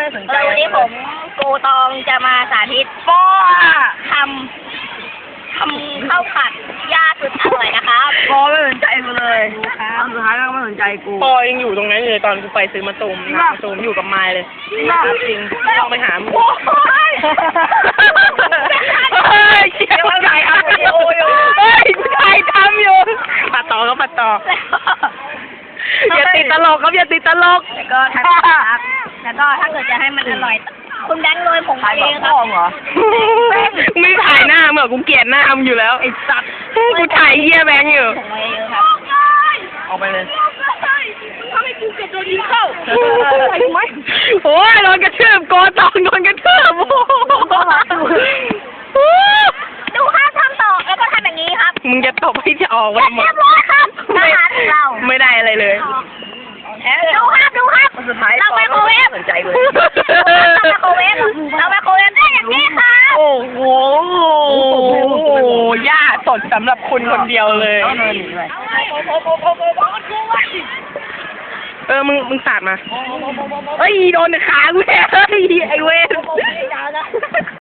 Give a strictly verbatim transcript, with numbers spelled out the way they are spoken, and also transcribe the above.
ไม่สนใจวันนี้ผมกูตองจะมาสาธิตป้อทำทำข้าวผัดย่าสุดอร่อยนะครับป้อไม่สนใจกูเลยตอนสุดท้ายก็ไม่สนใจกูปอยังอยู่ตรงนั้นเลยตอนกูไปซื้อมาตูมนะมาตูมอยู่กับไม้เลยจริงต้องไปหามึงโอ้ยเฮ้ยเชี่ยมันใหญ่อะเฮ้ยผู้ชายทำอยู่ปัดต่อก็ปัดต่ออย่าติดตลกครับอย่าติดตลกแล้วก็ถ้าครับแล้วก็ถ้าเกิดจะให้มันอร่อย คุณแบงค์โรยผงถ่ายเอกับงคพ่รัอบ เหรอไม่ถ่ายหน้าเหมือนกูเกลียดหน้ามึงอยู่แล้วไอ้สัตว์กูถ่ายเหี้ยแบงค์อยู่ผงเอเยอะครับเอาไปเลยทำให้กูเกิดตัวนี้เข้าโอ้ยโดนกระทืบโกตองโดนกระทืบโอ้ดูครับทำต่อแล้วก็ทำอย่างนี้ครับมึงจะตบให้จะออกเรีไว้หมดยบร้อยครับอาหารของเราไม่ได้อะไรเลยดูครับดูครับตอนสุดท้ายเราไมโครเวฟไม่สนใจกูเราไมโครเวฟเราไมโครเวฟได้อย่างนี้ครับโอ้โหย่าสดสำหรับคุณคนเดียวเลยเอาเนินหนีไปเออ มึง มึงสาดมา เฮ้ย โดนขากูแท้เฮ้ย ไอเวน